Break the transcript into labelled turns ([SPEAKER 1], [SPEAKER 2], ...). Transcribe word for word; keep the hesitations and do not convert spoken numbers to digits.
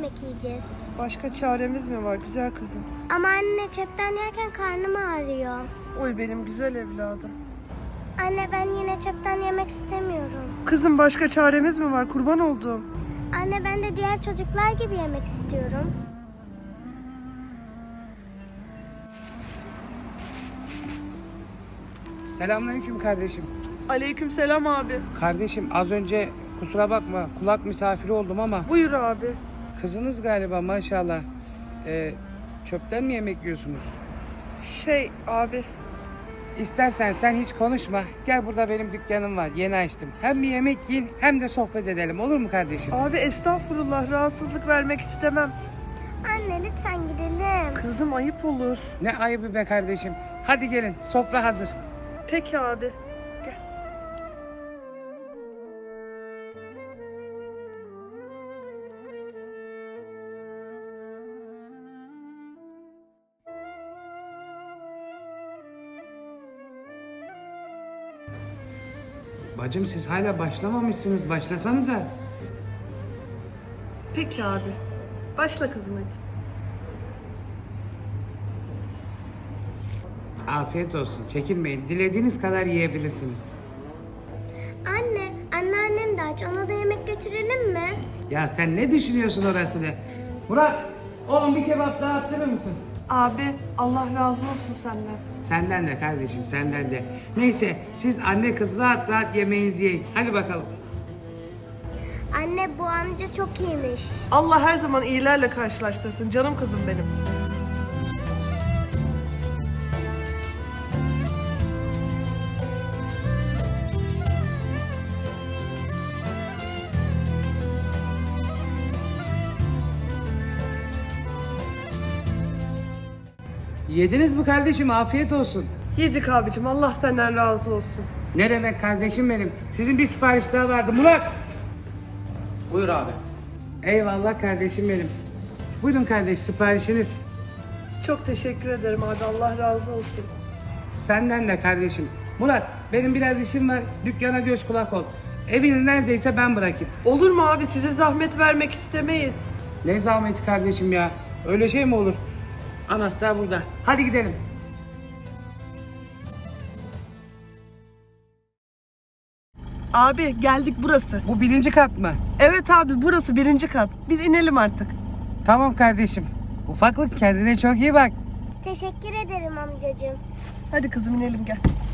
[SPEAKER 1] yemek yiyeceğiz.
[SPEAKER 2] Başka çaremiz mi var güzel kızım?
[SPEAKER 1] Ama anne çöpten yerken karnım ağrıyor.
[SPEAKER 2] Oy benim güzel evladım.
[SPEAKER 1] Anne ben yine çöpten yemek istemiyorum.
[SPEAKER 2] Kızım başka çaremiz mi var kurban olduğum?
[SPEAKER 1] Anne ben de diğer çocuklar gibi yemek istiyorum.
[SPEAKER 3] Selamünaleyküm kardeşim.
[SPEAKER 2] Aleykümselam abi.
[SPEAKER 3] Kardeşim az önce kusura bakma kulak misafiri oldum ama
[SPEAKER 2] Buyur abi.
[SPEAKER 3] kızınız galiba maşallah. Ee, çöpten mi yemek yiyorsunuz?
[SPEAKER 2] Şey abi.
[SPEAKER 3] İstersen sen hiç konuşma. Gel burada benim dükkanım var. Yeni açtım. Hem bir yemek yiyin hem de sohbet edelim. Olur mu kardeşim?
[SPEAKER 2] Abi estağfurullah rahatsızlık vermek istemem.
[SPEAKER 1] Anne lütfen gidelim.
[SPEAKER 2] Kızım ayıp olur.
[SPEAKER 3] Ne ayıbı be kardeşim. Hadi gelin sofra hazır.
[SPEAKER 2] Peki abi. Gel.
[SPEAKER 3] Bacım siz hala başlamamışsınız. Başlasanıza.
[SPEAKER 2] Peki abi. Başla kızım hadi.
[SPEAKER 3] Afiyet olsun. Çekinmeyin. Dilediğiniz kadar yiyebilirsiniz.
[SPEAKER 1] Anne, anneannem de aç. Ona da yemek götürelim mi?
[SPEAKER 3] Ya sen ne düşünüyorsun orasını? Murat, oğlum bir kebap daha attırır mısın?
[SPEAKER 2] Abi Allah razı olsun senden.
[SPEAKER 3] Senden de kardeşim, senden de. Neyse, siz anne kız rahat rahat yemeğinizi yiyin. Hadi bakalım.
[SPEAKER 1] Anne bu amca çok iyiymiş.
[SPEAKER 2] Allah her zaman iyilerle karşılaştırsın canım kızım benim.
[SPEAKER 3] Yediniz mi kardeşim? Afiyet olsun.
[SPEAKER 2] Yedik abicim Allah senden razı olsun.
[SPEAKER 3] Ne demek kardeşim benim? Sizin bir sipariş daha vardı. Murat!
[SPEAKER 4] Buyur abi.
[SPEAKER 3] Eyvallah kardeşim benim. Buyurun kardeş, siparişiniz.
[SPEAKER 2] Çok teşekkür ederim abi Allah razı olsun.
[SPEAKER 3] Senden de kardeşim. Murat, benim biraz işim var. Dükkana göz kulak ol. Evini neredeyse ben bırakayım.
[SPEAKER 2] Olur mu abi size zahmet vermek istemeyiz.
[SPEAKER 3] Ne zahmeti kardeşim ya. Öyle şey mi olur? Anahtar burada. Hadi gidelim.
[SPEAKER 2] Abi geldik burası.
[SPEAKER 3] Bu birinci kat mı?
[SPEAKER 2] Evet abi burası birinci kat. Biz inelim artık.
[SPEAKER 3] Tamam kardeşim. Ufaklık kendine çok iyi bak.
[SPEAKER 1] Teşekkür ederim amcacığım.
[SPEAKER 2] Hadi kızım inelim gel.